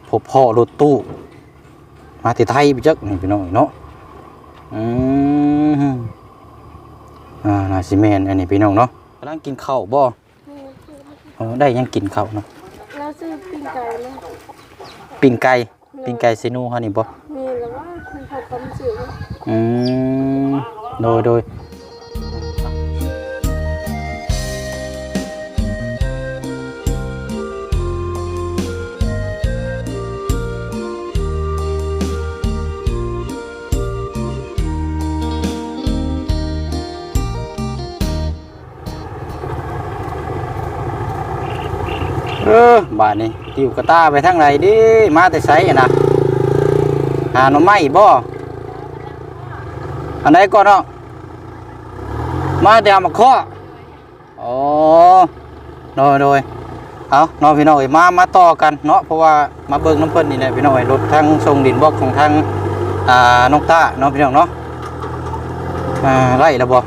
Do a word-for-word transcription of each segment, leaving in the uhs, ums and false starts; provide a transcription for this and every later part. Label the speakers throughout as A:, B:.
A: พบพ่อรถตู้มาที่ไทยไปจักนี่พี่น้องเนาะอืมอ่าน่าสิแม่นอันนี้พี่น้องเนาะกำลังกินข้าวบ่เออได้ยังกินข้าวเนาะ
B: แล้วซื้อปิ้งไก่ไหม
A: ปิ้งไก่ปิ้งไก่เซนูเฮานี่บ่
B: มีแล้วว่าคุณเขาต้มจืด
A: อืมโดยโดยเออบาดนี้ติวกระตาไปทางไหนดิมาแต่ไสอ่ะนะหาหน่อไม้บ่อันไหนก่อนเนาะมาแต่เอามาเคาะอ๋อโดยโดยเอาเนาะพี่น้องเอ้ยมามาต่อกันเนาะเพราะว่ามาเบิ่งน้ำเพิ่นนี่แหละพี่น้องเอ้ยรถทางส่งดินบล็อกของทางอ่าน้องต้าเนาะพี่น้องเนาะอ่าไล่แล้วบ่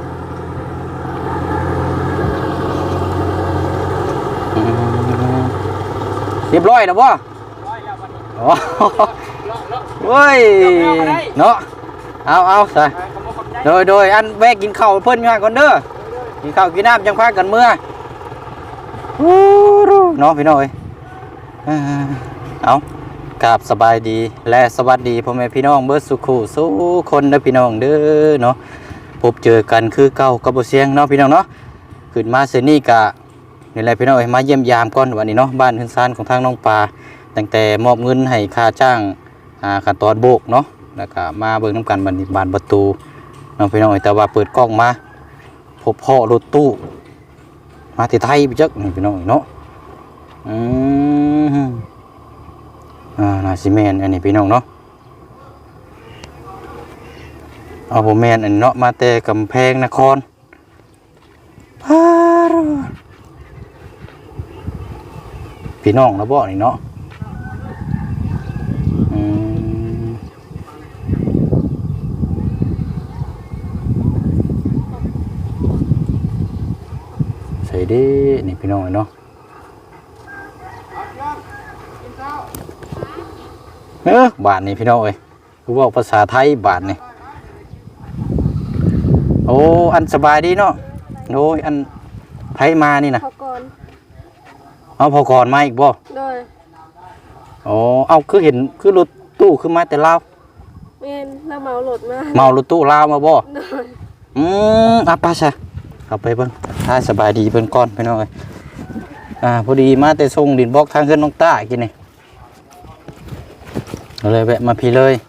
A: เรียบร้อยแล้วบ่โอ้เฮ้ยเนาะเอาเอาใส่โดยโดยอันแวะกินข้าวเพิ่นง่ายก่อนเด้อกินข้าวกินน้ำจังพากันเมื่อเนาะพี่น้องเอ้ยเอากราบสบายดีและสวัสดีพ่อแม่พี่น้องเบิดสุขุสุคนนะพี่น้องเด้อเนาะพบเจอกันคือเก่ากับบ่เสียงเนาะพี่น้องเนาะขึ้นมาเสนี่กะนี่แหละพี่น้องเอ้ยมาเยี่ยมยามก่อนวันนี้เนาะบ้านขึ้นซานของทางน้องปลาตั้งแต่มอบเงินให้ค่าจ้างอ่าขั้นตอนโบกเนาะแล้วก็มาเบิ่งน้ำกันบัดนี้บานประตูน้องพี่น้องเอ้ยแต่ว่าเปิดกล้องมาพบพ่อรถตู้มาที่ไทยไปจักนี่พี่น้องเนาะอืมอ่าน่าสิแม่นอันนี้พี่น้องเนาะเอาบ่แม่นอันเนาะมาแต่กำแพงนครพาพี่น้องนะบ่นี่เนาะอืมใส่ดินี่พี่น้องเนาะเออบาทนี่พี่น้องเอ้ยคือว่าภาษาไทยบาทนี่โอ้อันสบายดีเนาะโอ้ยอันไทยมานี่นะ
B: พอก่อน
A: เอาพอก่อนมาอีกบ่
B: โดย
A: อ๋อเอาคือเห็นคือรถตู้คือมาแต่ลาว
B: เมนแล้วเมารถมา
A: เมารถตู้ลาวมาบ่
B: โดย
A: อืมอ่ะป้าซะเอาไปเบิ่งถ้าสบายดีเพิ่นก่อนพี่น้องเอ้ยอ่าพอดีมาแต่ส่งดินบล็อกทางเฮือนน้องต้ากินนี่เลยแวะมาพี่เลย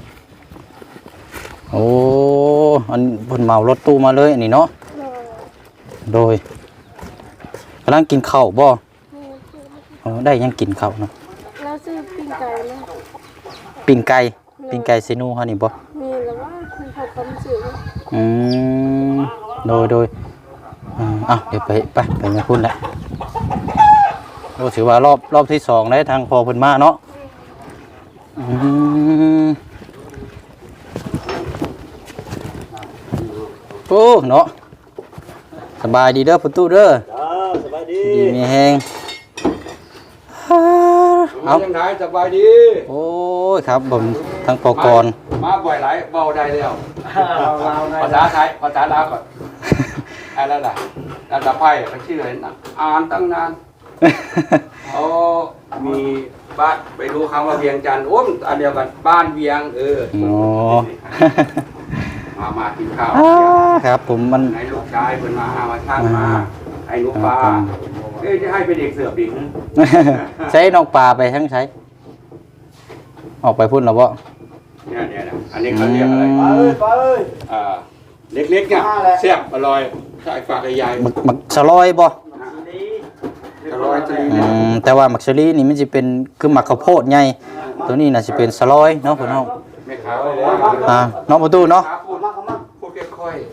A: โอ้อันเพิ่นเมารถตู้มาเลยอันนี้เนาะโดยกำลังกินข้าวบ่อ๋อได้ยังกินข้าวเนาะ
B: แล้วซื้อปิ้งไก่ไหม
A: ปิ้งไก่ปิ้งไก่เซนูเฮานี่บ่
B: มีแล้วว่าคุณเขาต้มจืด
A: อืมโดยโดยอ่าอ่ะเดี๋ยวไปไปไปมาพูดแล้วโอ้ถือว่ารอบรอบที่สองได้ทางพอเพิ่นมาเนาะอืมโอ้เนาะสบายดีเด้อประตูเด้อ
C: สบายดี
A: ดีมีแฮง
C: เอาจังไดสบายดี
A: โอ้ยครับผมทั้งปกรณ์
C: มาบ่อยหลายเบาได้แล้วภาษาไทยภาษาลาวก่อนอะไรล่ะภาษาไทยเขาชื่ออะไรนะอ่านตั้งนานโอ้มีบ้านไปดูคำว่าเวียงจันทร์โอ้อันเดียวกันบ้านเวียงเออ
A: โอ้
C: มามากินข้าว
A: ครับผมมัน
C: ไหนลูกชายเพิ่นมามาท่านมาไอ้ลูกปลาเอ้ยจะให้เป็นเด็กเสือบดิ
A: ใช้นอกปลาไปทั้งใช้ออกไปพุ่นแล้วบ่
C: เนี่ยเนี่ยอันนี้เขาเรียกอะไรปลาเอ้ยปลาเอ้ยอ่าเล็กๆเนี่ยแซ่บอร่อยใส่ฝากใหญ่
A: หมักหมักสลอยบ่
C: สลอยจะมี
A: แต่ว่าหมักสลีนี่มันจะเป็นคือหมักข้าวโพดไงตัวนี้น่าจะเป็นสลอยเนาะพี่น้อง
C: ไม่ขาวเลย
A: อ่าน้องประตูเนาะ
C: พูดค่อย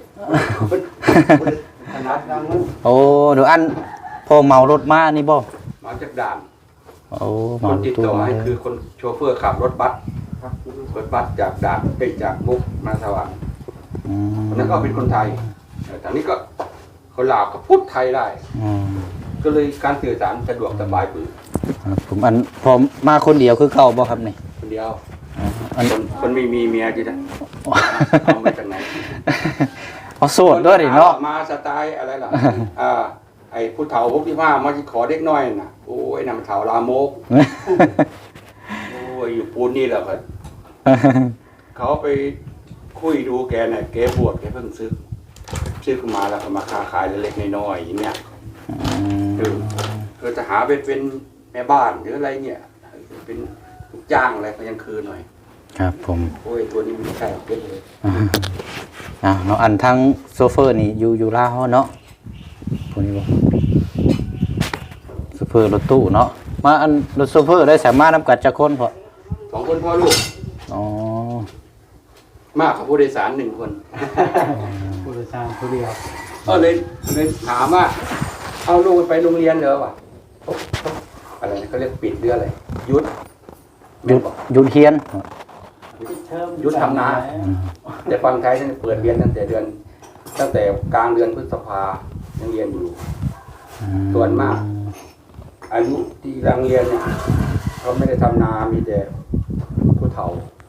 A: โอ้เดี๋ยวอันพอเมารถมานี่บ่
C: มาจากด่าน
A: โอ้
C: คนติดต่อให้คือคนโชเฟอร์ขับรถบัสรถบัสจากด่านไปจากมุกมาสวรรค์คนนั้นก็เป็นคนไทยแต่นี้ก็คนลาวก็พูดไทยได้ก็เลยการสื่อสารสะดวกสบายปืน
A: ครับผมอันผมมาคนเดียวคือเก่าบ่ครับนี่
C: คนเดียว
A: อ๋ออัน
C: คนคนไม่มีเมียจีนะเอามาจากไหน
A: เอาโสดด้วยดิเนาะ
C: มาสไตล์อะไรล่ะอ่าไอ้ผู้เฒ่าพวกที่ว่ามาขอเด็กน้อยน่ะโอ้ยนำเฒ่าลามกโอ้ยอยู่ปูนนี่แหละครับเขาไปคุยดูแกเนี่ยแกบวชแกเพิ่งซื้อซื้อขึ้นมาแล้วก็มาค้าขายเล็กๆน้อยๆอย่างเงี้ยคือคือจะหาไปเป็นแม่บ้านหรืออะไรเนี่ยเป็นลูกจ้างอะไรก็ยังคือหน่อย
A: ครับผม
C: โอ้ยตัวนี้มันไม่ใช่หรอกเป็นเลย
A: อ่าเนาะอันทั้งโซเฟอร์นี่อยู่อยู่ลาวเนาะพวกนี้บ่โซเฟอร์รถตู้เนาะมาอันรถโซเฟอร์ได้สามารถนำกัดจักคนพอ
C: สองคนพ่อลูก
A: อ๋อ
C: มากกว่าผู้โดยสารหนึ่งคน
D: ผู้โดยสารผู้เดียว
C: ก็เลยเลยถามว่าเอาลูกไปโรงเรียนเหรอวะอะไรนะเขาเรียกปิดเรื่องอะไรยุด
A: หยุดหยุดเฮียน
C: ยุดทำนาแต่ฟังไทยเนี่ยเปิดเรียนตั้งแต่เดือน ตั้งแต่กลางเดือนพฤษภายังเรียนอยู่ ส่วนมาก อายุที่รังเรียนเนี่ยเขาไม่ได้ทำนา มีแต่ผู้เฒ่า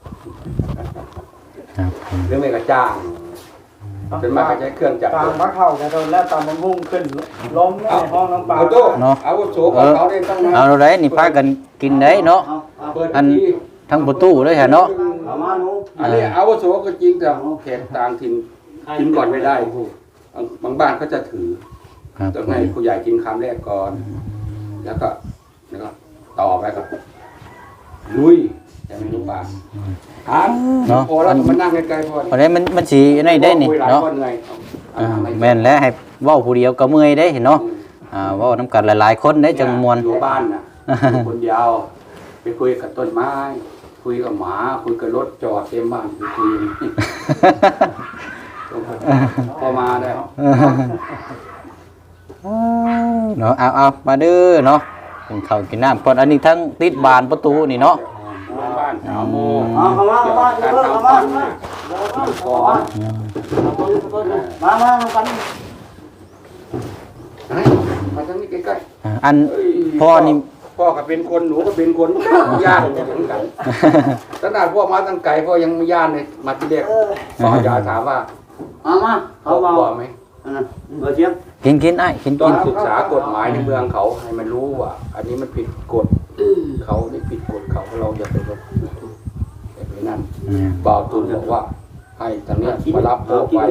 A: ครับผม
C: หรือไม่ก็จ้างเป็นมากก็ใช้เครื่องจักร
D: ตามพระเข้าจะโดนแล้วตามมันพุ่งขึ้นล้มในห้องน้ำปลา
C: เอาตู้เอาวุโสของเขาได้ตั้งนาน
A: เอาได้นี่พากันกินได้เนาะ
C: เปิด
A: อัน
C: ที่
A: ทั้งประตูเลยฮะเนาะ
D: เอามาหนู
C: อันนี้อาวุโสก็จริงแต่แขกต่างถิ่นกินก่อนไม่ได้บางบางบ้านเขาจะถือ
A: ครับ
C: ต้องให้ผู้ใหญ่กินคำแรกก่อน แล้วก็แล้วก็ต่อไปกับลุยจะไม่รู้ป่าอ่ะพอแล้วก็มานั่งใกล้ๆพอ
A: เพราะนั้นมันมันสิได้ได้นี่
C: คุยหลาย
A: เนาะ
C: คนเลย
A: อ่าแม่นแล้วให้เว้าผู้เดียวก็เมื่อยได้เนาะอ่าเว้านํกันหลายๆคนได้จังมวน
C: อยู่บ้านน่ะอยู่คนเดียวไปคุยกับต้นไม้ คุยกับหมาคุยกับรถจอดเต็มบ้านไปคุยพอมาได้
A: เนาะเอาเอามาเด้อเนาะกินข้าวกินน้ำก่อนอันนี้ทั้งติดบานประตูนี่เนาะ
C: บ้านสามโมง
D: เอาเข้ามาเข้ามา
C: การ
D: เข้า
C: ทำ
D: มา
C: ฟัน
D: เข้า
C: เนี่ยก่อน
D: มามามากัน
C: มาทั้งนี้ใกล้
A: อ่าอัน
C: ๆเอ้ย
A: พ่อนี่
C: พ่อก็เป็นคนหนูก็เป็นคนญาติกันเหมือนกันขนาดพ่อมาตั้งไกลพ่อยังไม่ญาติเลยมาที่เด็กพ่อยาถามว่า
D: เอามา
C: พ่อ
D: เขา
C: กลัว
D: เบา
C: ไหม
D: เบอร์เชียง
A: กินกินไอ้กิน
C: ต้อ
A: กิ
C: ง
A: น
C: ศึกษากฎหมายในเมืองเขาให้มันรู้ว่า อันนี้มันผิดกฎเขานี่ผิดกฎเขาเราอย่าไปรบอย่าไปนั่น
A: อืม
C: บ่าวตูนบอกว่า ให้ทางเนี้ยมารับพ่อไป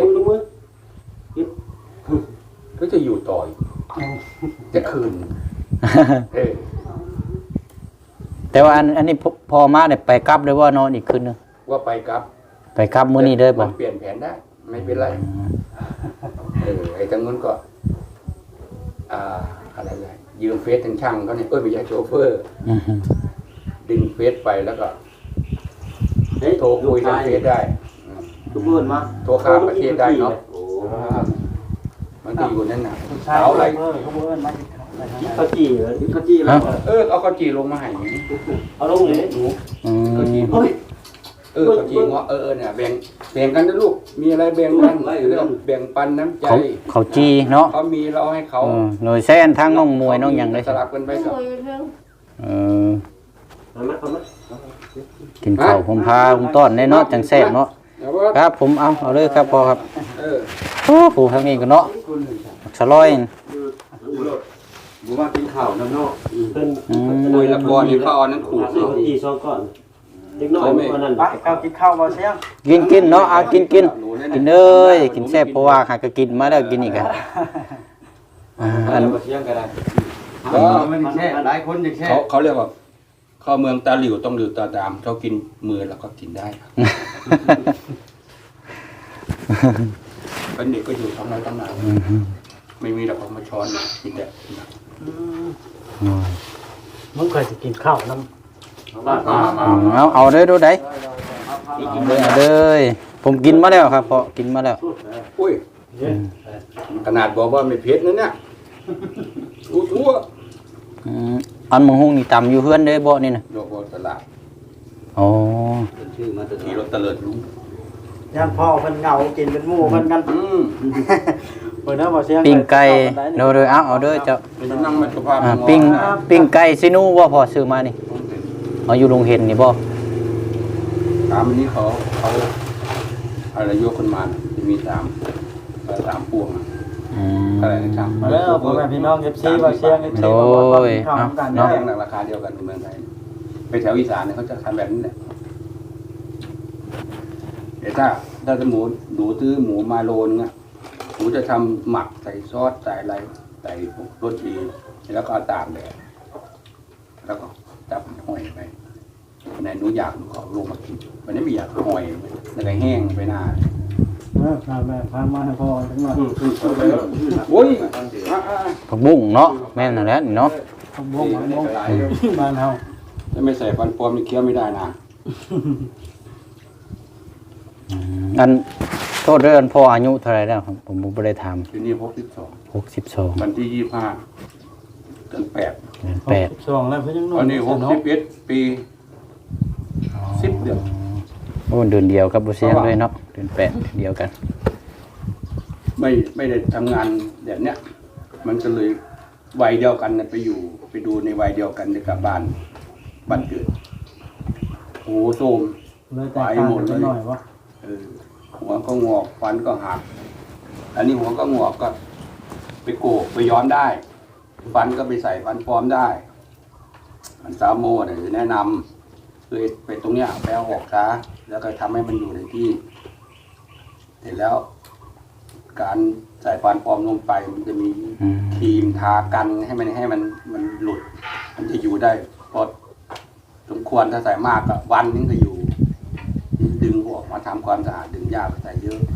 C: ก็จะอยู่ต่ออีกจะคืนเออ
A: แต่ว่าอันอันนี้พพอมาได้ไปกลับเลยว่านอนอีกคืนนึง
C: ว่าไปครับ
A: ไปกลับมื้อนี้เด้อบ่
C: มันเปลี่ยนแผนได้ ไม่เป็นไรเออไอ้ทางนู้นก็ อ่าอะไรเลยยืมเฟซทางช่างเขาเนี่ยเอ้ยไม่ใช่โชเฟอร์
A: อือฮึ
C: ดึงเฟซไปแล้วก็โทรคุยทางเฟซได้อืม
D: ทุกคนมา
C: โทรข้ามประเทศได้เนาะมันก็อยู่นั่นน่ะเอาอะไร
D: เขาเบิ้ลมาเขาจีเหรอเขาจีแล้ว
C: เออเอาข้าวจีลงมาให้หนู
D: เอาลงเลย
C: หนู
A: อืม
C: ข้าวจี
D: เฮ้ย
C: เออข้าวจีเงาะเออเนี่ยแบ่งแบ่งกันนะลูกมีอะไรแบ่งกันเรื่องแบ่งปันน้ำใจ
A: เขาเขาจีเนาะ
C: เขามีเราให้เขา
A: เออหน่วยแซนทางน้องมวยน้องหยังได้
C: สลับกันไป
B: ไม่
C: กับ
B: รวยเรื่อง
A: เออ
D: เอามาเอามา
A: กินข้าวผมพาผมต้อนได้เนาะจังแซ่บเนาะ
C: เดี๋ยวว่า
A: ครับผมเอาเอาเลยครับพอครับ
C: เออ
A: โอ้ผู้ทางนี้ก็เนาะสลอย
C: บูว่ากินข้าวน้ำเนาะ
D: เป็น
A: อืม
C: มวยละกรนี่เขาเอานั้นขูด
D: เขาจีสองก่อนเด็กน้อยวันนั้น
E: ไปเอากินข้าวมาเสียง
A: กินกินเนาะเอากินกินกินเอ้ยกินแซ่บเพราะว่าหากก็กินมาแล้วกินอีกอ่ะอ่าอัน
E: เสียงก็ได้
C: ก็
E: ไม่ได้แช่หลายคนยังแช่
C: เขาเขาเรียกว่าเข้าเมืองตาหลิวต้องหลิวตาดามเขากินมือแล้วก็กินได้เป็นเด็กก็อยู่ท้องไร่ท้องนาไม่มีหรอกเขามาช้อนกินแต่
D: มึงเคยจะกินข้าวน้ำ
A: เอาเอาเด้อดูได้เอาเด้อผมกินมาแล้วครับพอกินมาแล้ว
C: อุ้ยขนาดบอกว่าไม่เผ็ดนะเนี่ยอู้ทั่ว
A: อืมอันมังหุงนี่ตำอยู่เฮือนเด้อบ่นี่น่ะ
C: โลกตลาด
A: อ๋อ
C: ชื่อมาตะกี้รถตะเลิดลุง
E: ย่านพ่อเพิ่นเหงากินเป็นหมู่เพิ่นกัน
C: อืม
D: เปิดหน้าบ่เสียง
A: ปิ้งไก่โดยโดยเอาเอาเด้อเจ้า
C: เราจะนั่งมาสุภาพ
A: อ่าปิ้งปิ้งไก่ซินูว่าพอซื้อมานี่เอาอยู่โรงเห็นนี่บ่
C: ถามอันนี้เขาเขาอะไรยกคนมาจะมีสามสามพวง
A: อืม
C: อะไรนะครับ
D: มาแล้วพ่อแม่พี่น้อง เอฟ ซี บ่เสียง เอฟ ซี
A: โด
D: บ่ว่าย ข้าว
A: เอา
D: กัน
C: เนาะ
D: เนาะ
C: ราคาเดียวกันในเมืองไทยไปแถวอีสานเนี่ยเขาจะทำแบบนี้แหละแต่ถ้าถ้าจะหมูหนูซื้อหมูมาโลนึงอ่ะหนูจะทำหมักใส่ซอสใส่อะไรใส่พวกรสดีแล้วก็เอาตากแดดแล้วก็จับห้อยไปในหนูอยากหนูขอลงมากินวันนี้ไม่อยากห้อยแล้วก็แห้งไปหน้า
D: เออพาแม่พามาให้พ่อจังหน่อย
C: โอ้ย
A: ผักบุ้งเนาะแม่นนั่นแหละนี่เนาะ
D: ผมบ่งผมบ่งบ้านเฮา
C: ถ้าไม่ใส่ฟันปลอมนี่เคี้ยวไม่ได้นะ
A: อืมอันโทษเรื่องพ่ออายุเท่าไหร่แล้วครับผมบ่ได้ถาม
C: ทีนี้พบสิบสอง
A: หกสิบสอง
C: วันที่ยี่ห้าเดือนแปด
A: เดือนแปด
D: สองแล้วเพิ่นยัง
C: ตอนนี้หกสิบเอ็ดปีสิบเดือน
A: โอ้เดือนเดียวกับบ่เสียงเลยเนาะเดือนแปดเดือนเดียวกัน
C: ไม่ไม่ได้ทำงานแบบเนี้ยมันก็เลยวัยเดียวกันน่ะไปอยู่ ไปดูในวัยเดียวกันในกับบ้านบ้านเกิดโอ้โหโทรม
D: เลยแต่งกันจังหน่อยวะ
C: เออหัวก็งอกฟันก็หักอันนี้หัวก็งอกก็ ไปโกกไปย้อนได้ ฟันก็ไปใส่ฟันปลอมได้มันซาโมเนี่ยแนะนำคือไปตรงเนี้ยไปเอาออกซะแล้วก็ทำให้มันอยู่ในที่เสร็จแล้ว การใส่ฟันปลอมลงไปมันจะมี
A: อืม
C: ครีมทากันให้มันให้มันมันหลุด มันจะอยู่ได้พอสมควรถ้าใส่มากก็วันนึงก็อยู่ ดึงออกมาทำความสะอาดดึงยาไปใส่เยอะ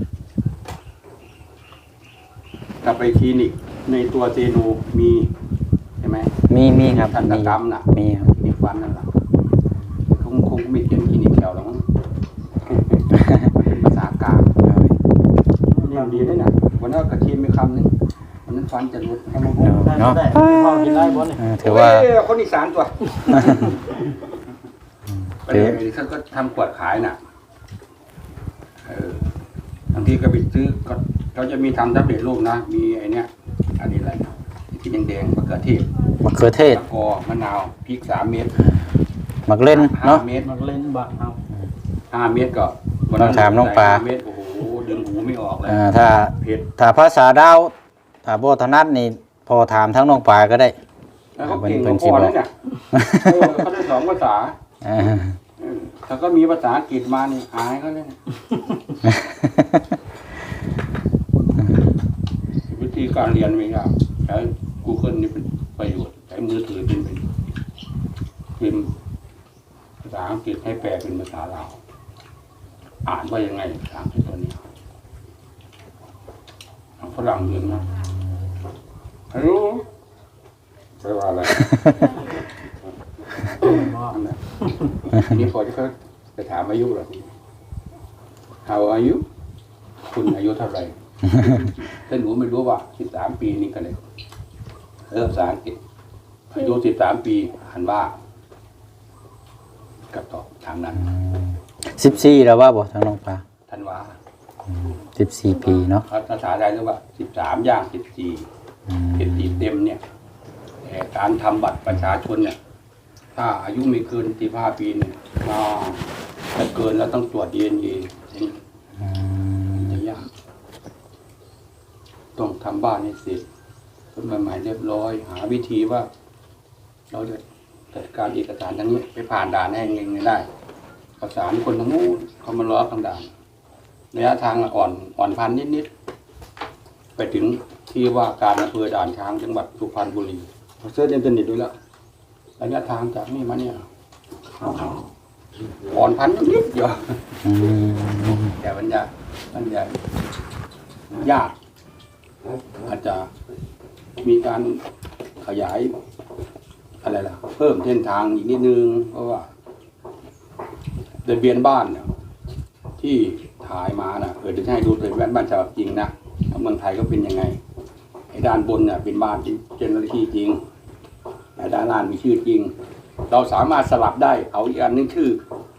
C: กลับไปคลินิกในตัวเซโนมีใช่ไหม
A: มีมีครับ
C: ทันต
A: มี
C: กรรมน่ะ
A: มีครับ
C: คลินิกฟันนั่นแหละคงคงไม่เขียนคลินิกแถวหรอกมั้งเป็นภาษากลางนี่ดีด้วยนะวันนั้นกระเทียมมีคำนึงวันนั้นฟันจะรุดให้มันบุ้ง
A: เนาะ
D: ได้พ่อกินได้บ่นี่
A: เออถือว่า
C: เอ้ยคนอีสานตัวประเดี๋ยวนี้เขาก็ทำขวดขายน่ะเออบางทีก็ไปซื้อก็เขาจะมีทำทับเด็ดลูกนะมีไอเนี้ยอันนี้อะไรนะที่แดงๆมะเขือเทศ
A: มะเขือเทศ
C: มะกอกมะนาวพริกสามเม็ด
A: มักเล่น
C: ห้า
A: เนาะ
C: เม็ด
D: มักเล่นบ้านเฮา
C: ห้าเม็ดก็วัน
A: ต้องถามน้องปลา
C: ใส่ห้เม็ดโอ้โหดึงหูไม่ออกเลย
A: อ่าถ้า
C: เผ็ด
A: ถ้าภาษาดาวถ้าบ่ถนัดนี่พอถามทั้งน้องปลาก็ได้
C: แล้วเขาเก่งกว่าพ่อแล้วเนี่ยเออเขาได้สองภาษา
A: อ่า
C: เออถ้าก็มีภาษาอังกฤษมานี่อายเขาเลยเนี่ยวิธีการเรียนมีครับใช้ Google นี่เป็นประโยชน์ใช้มือถือเป็นเป็นพิมพ์ภาษาอังกฤษให้แปลเป็นภาษาลาวอ่านว่ายังไงภาษาอังกฤษตัวนี้เอาฝรั่งเรียนมาฮัลโหลแปลว่าอะไร นั่นแหละทีนี้พอที่เขาจะถามอายุเราที How are you คุณอายุเท่าไหร่ ถ้าหนูไม่รู้ว่าสิบสามปีนี่ก็เลยเริ่มภาษาอังกฤษอายุสิบสามปีอ่านว่ากับตอบทางนั้น
A: สิบสี่แล้วว่าบ่ทั้งน้องปลา
C: ทันว่า
A: สิบสี่ปีเนาะ
C: ภาษาไทยเรียกว่าสิบสามย่างสิบสี่
A: อืม
C: สิบสี่เต็มเนี่ยแต่การทำบัตรประชาชนเนี่ย ถ้าอายุไม่เกินสิบห้าปีเนี่ยอ่าถ้าเกินแล้วต้องตรวจดีเอ็นเอ
A: อืม
C: จะยากต้องทำบ้านให้เสร็จต้นใหม่ๆเรียบร้อย หาวิธีว่า เราจะจัดการเอกสารทั้งนี้ไปผ่านด่านให้เองได้ประสานคนทั้งนู้นเขามาล้อทางด่านระยะทางอ่อนอ่อนพันนิดๆไปถึงที่ว่าการอำเภอด่านช้างจังหวัดสุพรรณบุรีเราเสิร์ชอินเทอร์เน็ตดูแล้วระยะทางจากนี่มาเนี่ยอ่อนพันนิดๆเดียว
A: อืม
C: แต่มันจะมันจะยาก อาจจะมีการขยายอะไรล่ะ เพิ่มเส้นทางอีกนิดนึง เพราะว่าทะเบียนบ้านเนี่ยที่ถ่ายมานะเออจะให้ดูทะเบียนบ้านฉบับจริงนะเมืองไทยก็เป็นยังไงไอ้ด้านบนเนี่ยเป็นบ้านที่เจนเนอเรที่จริงไอ้ด้านล่างมีชื่อจริง เราสามารถสลับได้ เอาอีกอันนึงชื่อ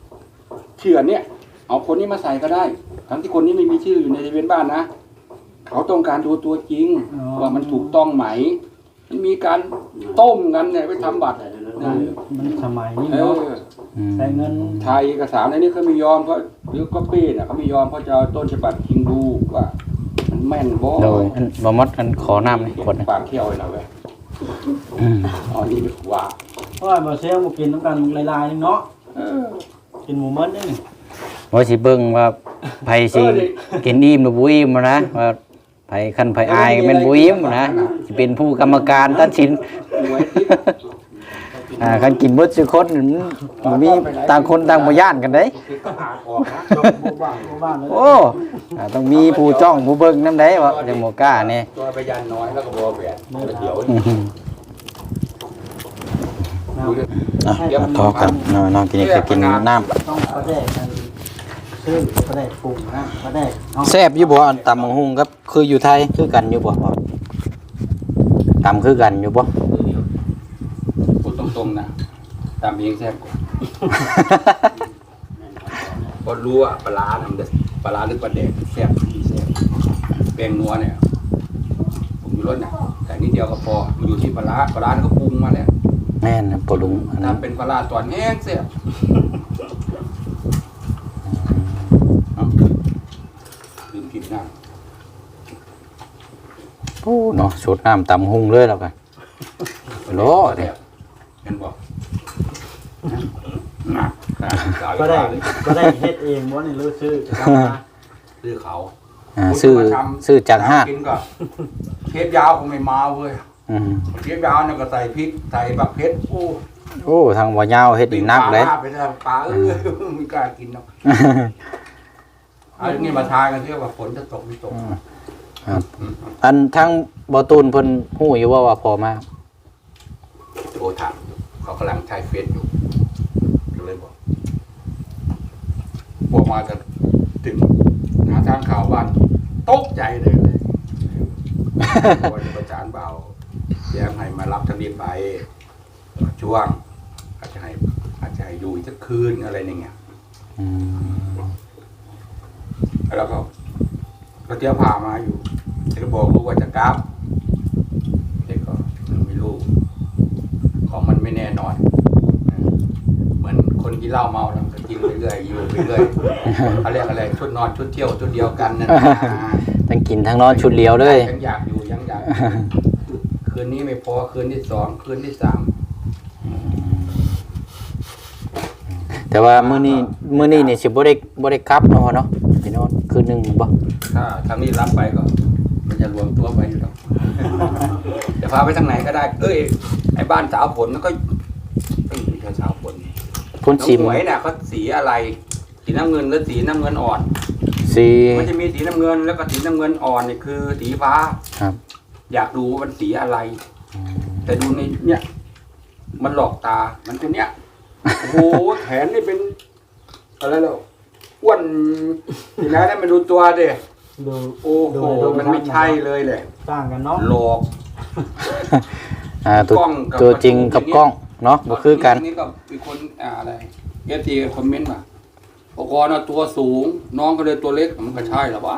C: ชื่ออันเนี้ยเอาคนนี้มาใส่ก็ได้ ทั้งที่คนนี้ไม่มีชื่ออยู่ในทะเบียนบ้านนะเขาต้องการดูตัวจริงว่ามันถูกต้องไหมมันมีการต้มกันเนี่ยไปทำบัตร
D: มันสมัยนี้
C: เอ
D: เนาะ
C: อ
D: ใช้เงิน
C: ไทยเอกสารในนี้เขาไม่ยอมเพราะหรือก็ปี้น่ะเขาไม่ยอมเพราะจะเอาต้นฉบับจริงดูว่ามันแม่นบ่
A: โดยอันบ่มดอันขอน้ำนี่ขวดหนึง
C: ปากเที่ยวเลยนะเว้ย
A: อืม
C: อ๋อนี่ว่า
D: เพราะว่าบ่เซลบ่กินน้ำกันหลายๆนึงเนาะ
C: เออ
D: กินหมูมันนี่
A: ว่าสิเบิ่งว่าไผสิกินอิ่มหรือบ่อิ่มนะว่าไผคันไผอายก็แม่นบ่อิ่มนะสิเป็นผู้กรรมการตัดสิน
C: หวยทิพย์
A: อ่าคันกินเบิดซุคนมันบ่มีต่างคนต่างบ่ย่านกันเด้
C: ก็หาออกนะ
D: จบบ่บ้านบ่บ้านเลย
A: โอ้อ่าต้องมีผู้จ้องผู้เบิ่งนำได้ว่าจังบ่กล้านี่
C: ตัวไปยันน้อยแล้วก็บัวแหวนเดี๋ยว
A: อื้อหืออ่ะมาทอกันเนาะเนาะกินนี่ก็กินน้ำ
D: ต้องประแดกกันซื้อประแดกปรุงนะประแดกเอา
A: แซ่บอยู่บ่อันตำบักหุ่งครับคืออยู่ไทยคือกันอยู่บ่พ่อตำคือกันอยู่บ่
C: พูดตรงๆนะตามเองแซ่บกว่าพอรู้ว่าปลาร้าน่ะมันจะปลาร้าหรือปลาแดกแซ่บที่แซ่บแป้งนัวเนี่ยผมอยู่รสน่ะแต่นิดเดียวก็พอมันอยู่ที่ปลาร้าปลาร้านี่ก็ปรุงมาแล้ว
A: แม่นนะปลุงอันนั้น
C: ทำเป็นปลาร้าตอนแห้งแซ่บเอาลืมกินน้ำ
A: โอ้เนาะสดน้ำตำหุ่งเลยแล้วกันโลเด้
C: เห็นบอกนะ
D: ก็ได้ก็ได้เฮ็ดเองบ่นี่รู้ซื้อทำมา
C: ซื้อเขา
A: อ่าซื้อซื้อจากห้าง
C: กินก็เทปยาวคงไม่มาเว้ย
A: อืม
C: เทปยาวเนี่ยก็ใส่พริกใส่บักเพชรโอ้
A: โอ้ทางบ่ยาวเฮ็ดอีกนักเลย
C: ปลาไปทางปลาเออไม่กล้ากินหรอกเอาอย่างนี้มาทายกันเรียกว่าฝนจะตกไม่ตก
A: ครับ อันทั้งบ่ตูนเพิ่นฮู้อยู่ว่าว่าพอมา
C: โทรถามอยู่เขากำลังใช้เฟซอยู่ก็เลยบอกบอกมาจะถึงหาทางข่าวบ้านตกใจเลยเลยวันประจานเบาแย้มให้มารับทางนี้ไปช่วงอาจจะให้อาจจะให้อยู่อีกสักคืนอะไรอย่างเงี้ย
A: อืม
C: แล้วก็ก็เที่ยวพามาอยู่เด็กก็บอกลูกว่าจะกราฟเด็กก็ไม่รู้ของมันไม่แน่นอนเหมือนคนกินเหล้าเมาแล้วก็กินเรื่อยๆอยู่เรื่อยๆเขาเรียกอะไรชุดนอนชุดเที่ยวชุดเดียวกันนั่นนะ
A: ทั้งกินทั้งนอนชุดเดียวเลย
C: ยังอยากอยู่ยังอยากคืนนี้ไม่พอคืนที่สองคืนที่สาม
A: แต่ว่ามื้อนี้มื้อนี้นี่สิบ่ได้บ่ได้กลับเนาะเนาะไปนอนคืนหนึงบ่
C: ถ้าทางนี้รับไปก็ มันจะรวมตัวไปอยู่หรอกจะพาไปทางไหนก็ได้ เอ้ยไอ้บ้านสาวผลแล้วก็เอ้ยไม่ใช่สาวผล
A: พุ่น
C: น้อง
A: สิม
C: หวยเนี่ยเขาสีอะไร สีน้ำเงินหรือสีน้ำเงินอ่อน
A: สี
C: มันจะมีสีน้ำเงินแล้วก็สีน้ำเงินอ่อนนี่คือสีฟ้า
A: ครับ
C: อยากดูว่ามันสีอะไร แต่ดูในเนี่ย มันหลอกตา มันตัวเนี้ย โอ้โหแขนนี่เป็นอะไรแล้วอ้วนทีนั้นได้มาดูตัวเด้
D: ดู
C: โอ้โหมันไม่ใช่เลยแหละ
D: ต่างกันเนาะ
C: หลอก
A: อ่าตัว
C: กล้องกับ
A: ตัวจริงกับกล้องเนาะบ่คือกัน
C: นี่ก็มีคนอ่าอะไรเอฟซีคอมเมนต์มาปกรณ์ตัวสูง น้องก็เลยตัวเล็กมันก็ใช่หรอวะ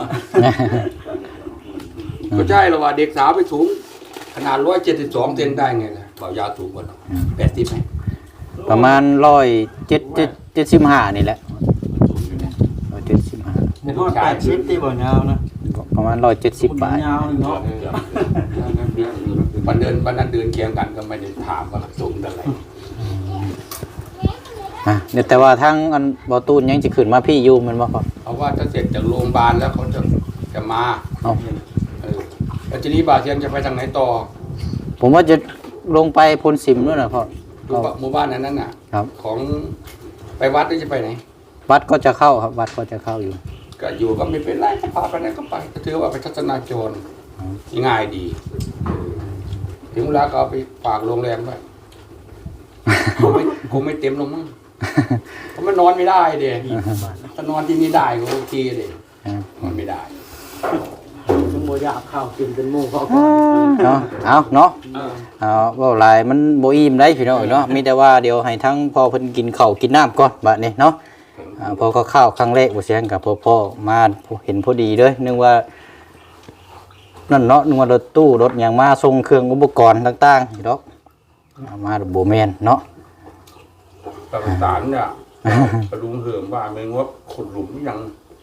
C: ก็ใช่หรอวะเด็กสาวไปสูง ขนาดร้อยเจ็ดสิบสองเซนได้ไงล่ะเปล่ายาวสูงกว่าแปดสิบไหม
A: ประมาณหนึ่งร้อยเจ็ดสิบ เจ็ดสิบห้านี่แหละหนึ่งร้อยเจ็ดสิบห้า
D: บ่ฮอดแปดสิบที่บ่ยาวนะ
A: ประมาณหนึ่งร้อยเจ็ดสิบ
D: บ่
A: บาท
D: ยาวนี่เนาะ
C: วันเดินวันนั้นเดินเคียงกันก็ไม่ได้ถามว่าสูงเท่าไหร่
A: อ่ะเดี๋ยวแต่ว่าทางอันบ่ตูนยังสิขึ้นมาพี่อยู่แมันบ่ครับ
C: เพราะว่าถ้าเสร็จจากโรงพยาบาลแล้วเขาจะจะมา
A: เอ้า
C: เออแล้วทีนี้บาเทียนจะไปทางไหนต่อ
A: ผมว่าจะลงไปพลสิมด้วยนะพ่อ
C: หมู่บ้านหมู่บ้านนั้นน่ะ
A: ครับ
C: ของไปวัดหรือจะไปไหน
A: วัดก็จะเข้าครับ วัดก็จะเข้าอยู่
C: ก็อยู่ก็ไม่เป็นไรก็พาไปไหนก็ไปก็ถือว่าไปทัศนาจรง่ายดีเออถึงเวลาก็เอาไปฝากโรงแรมไว้คงไม่คงไม่เต็มลงมั้งเพราะมันนอนไม่ได้เด็ถ้านอนที่นี่ได้ก็โอเคเด็นอนไม่ได้
D: ซึ่งบ่อยากข้าวกินเป็นหมู่เขาก่อน
A: เนาะเอาเนาะ
C: เออ
A: เอาเว่าหลายมันบ่อิ่มได้พี่น้องเนาะมีแต่ว่าเดี๋ยวให้ทั้งพ่อเพิ่นกินข้าวกินน้ำก่อนบัดนี้เนาะอ่าพอก็ข้าวครั้งแรกบ่เสียงกับพ่อพ่อมาเห็นพอดีเด้อนึกว่านั่นเนาะนึกว่ารถตู้รถหยังมาส่งเครื่องอุปกรณ์ต่างๆนี่ดอกเอามาบ่แม่นเนาะ
C: กับสารเนี่ยกระลุงเหิมว่าไม่งบขุดหลุมยัง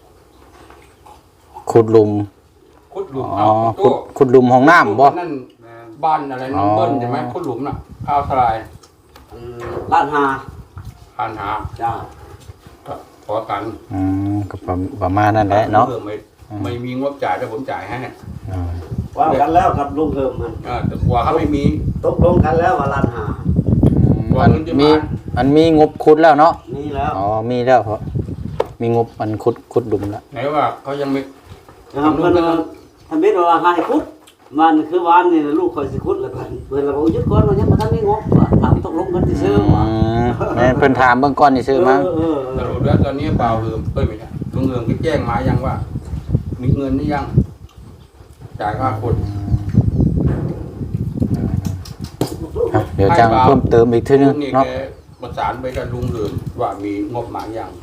A: ขุดหลุม
C: ขุดหลุม
A: อ๋อ
C: เอา
A: ขุดขุดหลุมห้องน้ำบ่
C: นั่นบ้านอะไรน้องเบิ้ลใช่ไหมขุดหลุมน่ะข้าวทลาย
E: ล้านหา
C: ผ่านหา
E: จ้า
C: ขอกัน
A: อืมก็ประมาณนั้นแหละเนาะ
C: ออไม่ไม่มีงบจ่ายแต่ผมจ่ายให้
A: อ่า
E: ว่ากันแล้วกับลุงเฮิมมัน
C: เออแต่กลัวเขาไม่มี
E: ตกลงกันแล้วว่าล้านหา
A: มันมีมันมีงบขุดแล้วเนาะ
E: นี่แล้ว
A: อ๋อมีแล้วเพราะมีงบมันขุดขุดหลุมแล้ว
C: ไหนว่าเขายังไม่
E: นะครับเพิ่นทำเบ็ดว่าให้คุดมันคือวานนี่ลูกคอยสิคุดแล้วกันเพิ่นเราบอกยึดก่อนว่ายังบ่ทันมีงบว่าถามตกลงกันซื่อๆว่า
A: อืมแม่นเพิ่นถามเบื้องก่อนนี่ซื้อมั้ง
E: เออ
C: สรุปแล้วตอนนี้เปล่าเหิมเอ้ยไม่ใช่ลุงเหิมก็แจ้งมายังว่า มีเงินหรือยังจ่ายค่าคน
A: ครับเดี๋ยวจังเพิ่มเติมอีกทีนึง
C: นี่
A: เนาะ
C: แกประสานไปกับลุงเหิมว่ามีงบหมายยัง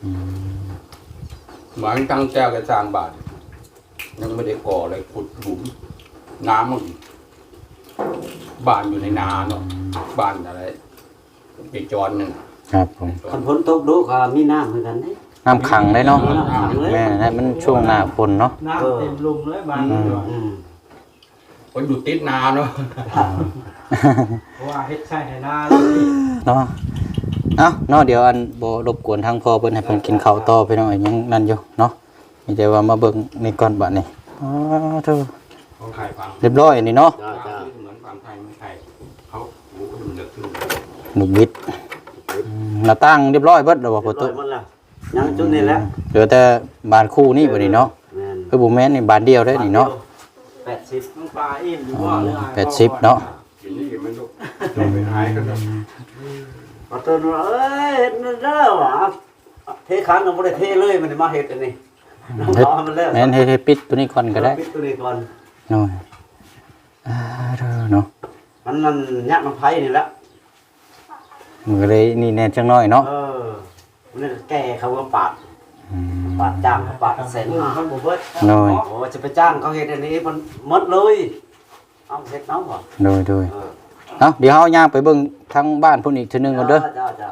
C: หมายตั้งแก้วกระสร้างบาทยังไม่ได้ก่ออะไรขุดหลุมน้ำมันบ้านอยู่ในนาเนาะบ้านอะไรปีจรหนึ่ง
A: ครับผม
E: คันฝนตกดูก็มีน้ำเหมือนกันเด้
A: น้ำขังได้เนาะ
E: น้ำขังเลย
A: แม่นั่นมันช่วงหน้าฝนเนาะ
D: น้ำเต็มลุมเลยบาง
A: อืม
D: เดือน
E: อืม
C: คนอยู่ติดนาเนาะ
D: เพราะว่าเฮ็ดใช่ให้หน้าเลย
A: เนาะเอ้าเนาะเดี๋ยวอันบ่รบกวนทางพ่อเพิ่นให้เพิ่นกินข้าวต่อพี่น้องยังนั่นอยู่เนาะมีแต่ว่ามาเบิ่งนี่ก่อนบัดนี้อ๋อเธอ
C: ของไทยฟัง
A: เรียบร้อยนี่เนาะ
E: จ้าจ้า
C: เหมือนฟังไทยไม่ไทยเขาโอ้โหมันเดือดขึ้น
A: หนุกบิดอืมหน้าต่างเรียบร้อยเบิดแล้วบ่
E: เรี
A: พ่
E: ย
A: อบ ตุ
E: ร้อยหมดแล้วยังจุดนี้แหละ
A: เหลือแต่บานคู่นี่บัดนี้เนาะ
E: แม่น
A: คือบ่แม่นนี่บานเดียวได้นี่เนาะ
E: แปดสิบ
D: น้องปลาอิ่มอยู่
A: อ๋อ
D: ว่าเรื่อง
A: แปดสิบเนาะ
C: กินนี่กินไม่ลุกจะไปหายกันเนาะ
E: พอตื่นว่าเอ้ยเฮ็ดนั่นเด้อว่ะเทครั้งก็บ่ได้เทเลยมันมาเฮ็ดอันนี้น้อง
A: เฮ็ด
E: ขอมันแล้ว
A: แม่นเฮ็ดให้ปิดตัวนี้ก่อนก็ได้
E: ปิดตัวนี้ก่อน
A: เนาะอ่าเด้อเนาะ
E: มันนั่นยักมันไผ่นี่แหละ
A: มันก็เลยนี่แน่จังน้อยเนาะ
E: เออมันนั่นแก่เขาว่าปาด
A: อืม
E: ปาดจ้างเขาปาดแสนห้า
D: มันบ่เบิด
A: โดย
E: โอ้จะไปจ้างเขาเฮ็ดอันนี้มันหมดเลย เอาเฮ็ดเนาะบ่
A: โดยโดย
E: เออ
A: เอ้าเดี๋ยวเฮาย่างไปเบิ่งทางบ้านพุ่นอีกทีนึงก่อนเด้อ
E: จ้าจ้า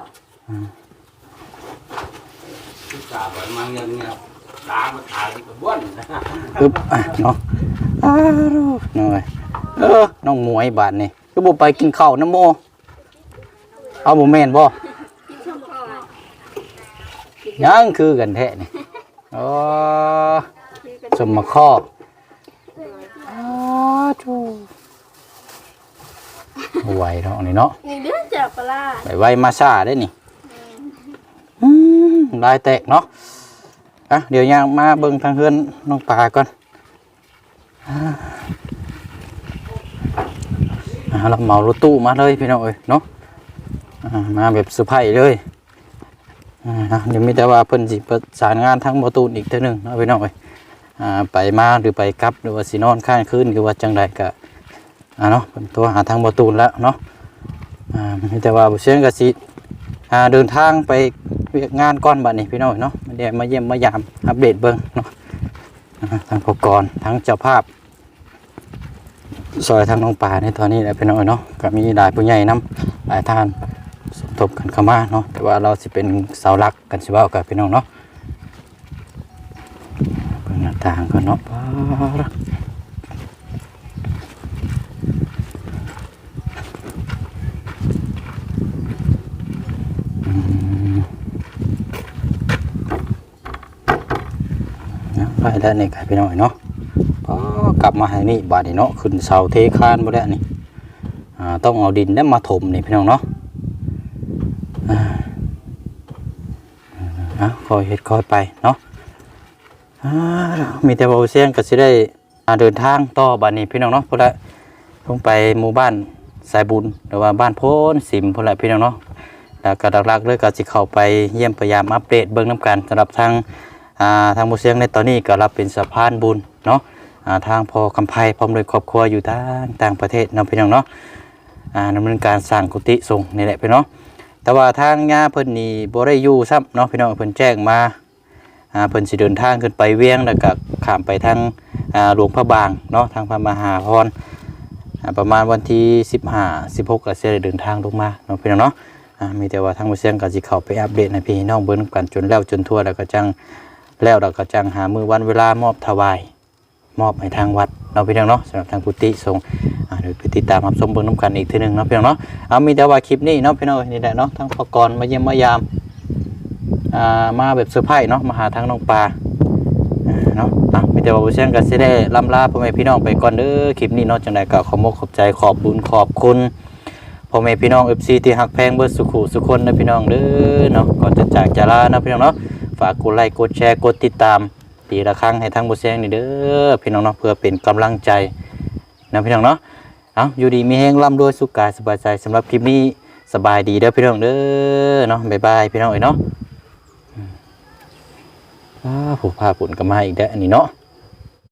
C: ที่สาบมาเงี้ยเงี้ยล้างมาถ่ายกับบ้วน
A: ปึ๊บอ่ะเนาะอ้าวหน่อยเออน้องหมวยบาดนี่คือบ่ไปกินข้าวน้ำโมเอาบ่แม่นบ่ยังคือกันแท้นี่อ๋อสมมาข้ออ้าวจูบ่ไหวเนาะนี่เนาะ
B: นี่เด้อจับปลา
A: ไปไว้มาซ่าได้นี่อืมลายแตกเนาะอ่ะเดี๋ยวย่างมาเบิ่งทางเฮือนน้องปลาก่อนอ่าอ่าเราเหมารถตู้มาเลยพี่น้องเอ้ยเนาะอ่ามาแบบเซอร์ไพรส์เลยอ่าเดี๋ยวมีแต่ว่าเพิ่นสิประสานงานทั้งประตูนอีกเท่านึงเนาะพี่น้องเอ้ยอ่าไปมาหรือไปกลับหรือว่าสินอนข้างคืนหรือว่าจังใดก็อ่าเนาะเพิ่นโทรหาทางประตูนแล้วเนาะอ่ามีแต่ว่าบ่เสียงก็สิอ่าเดินทางไปเวียกงานก่อนบัดนี้พี่น้องเนาะมาเดี๋ยวมาเยี่ยมมายามอัปเดตเบิ่งเนาะอ่าทางพกรทั้งเจ้าภาพซอยทางน้องป่าในตอนนี้แหละพี่น้องเนาะก็มีหลายผู้ใหญ่นํหลายท่านสมทบกันเข้ามาเนาะแต่ว่าเราสิเป็นเสาหลักกันสิเว้ากับพี่น้องเนาะเบิ่งหน้าต่างก่อนเนาะป๊าด นะไปแล้วนี่ครับพี่น้อยเนาะพอกลับมาให้นี่บาดนี่เนาะขึ้นเสาเทคานบ่ได้นี่อ่าต้องเอาดินแล้วมาถมนี่พี่น้องเนาะอ่าอ่ะคอยเฮ็ดคอยไปเนาะอ่ามีแต่บ่เสียงก็สิได้อ่าเดินทางต่อบาดนี้พี่น้องเนาะพุ่นละลงไปหมู่บ้านสายบุญหรือว่าบ้านโพนสิมพุ่นละพี่น้องเนาะแล้วก็หลักๆเลยก็สิเข้าไปเยี่ยมพยายามอัปเดตเบิ่งนํกันสำหรับทาง อ่าทางหมู่เสียงในตอนนี้ก็รับเป็นสะพานบุญเนาะอ่าทางพอคำไพพร้อมด้วยครอบครัวอยู่ต่างต่างประเทศเนาะพี่น้องเนาะอ่าดำเนินการสร้างกุฏิสงฆ์นี่แหละพี่น้องแต่ว่าทางญาเพิ่นนี่บ่ได้อยู่ซ้ำเนาะพี่น้องเพิ่นแจ้งมาอ่าเพิ่นสิเดินทางขึ้นไปเวียงแล้วก็ข้ามไปทางอ่าหลวงพระบางเนาะทางพระมหาพรอ่าประมาณวันที่สิบห้า สิบหกก็สิได้เดินทางลงมาเนาะพี่น้องเนาะอ่ามีแต่ว่าทางบ่เสียงก็สิเข้าไปอัปเดตให้พี่น้องเบิ่งกันจนแล้วจนทั่วแล้วก็จังแล้วเราก็จังหามื้อวันเวลามอบถวายมอบให้ทางวัดเนาะพี่น้องเนาะสำหรับทางกุฏิสงฆ์อ่าเดี๋ยวไปติดตามรับชมเบิ่งนำกันอีกทีนึงเนาะพี่น้องเนาะเอามีแต่ว่าคลิปนี้เนาะพี่น้องนี่แหละเนาะทางพกรมาเยี่ยมมายามอ่ามาแบบเซอร์ไพรส์เนาะมาหาทางน้องปลาอ่าเนาะอ่ะมีแต่ว่าบ่เสียงก็สิได้ล่ำลาพ่อแม่พี่น้องไปก่อนเด้อคลิปนี้เนาะจังได๋ก็ขอมกขอบใจขอบบุญขอบคุณพ่อแม่พี่น้อง เอฟ ซี ที่ฮักแพงเบิดสุขุสุคนนะพี่น้องเด้อเนาะก่อนจะจากจะลานะพี่น้องเนาะฝากกดไลค์กดแชร์กดติดตามตีละครั้งให้ทางบ่เสียงนี่เด้อพี่น้องเนาะเพื่อเป็นกำลังใจนะพี่น้องเนาะเอาอยู่ดีมีแฮงร่ำรวยสุขกายสบายใจสำหรับคลิปนี้สบายดีเด้อพี่น้องเด้อเนาะบ๊ายบายพี่น้องเอ้ยเนาะอ่าผู้พาปุ่นก็มาอีกแล้วอันนี้เนาะ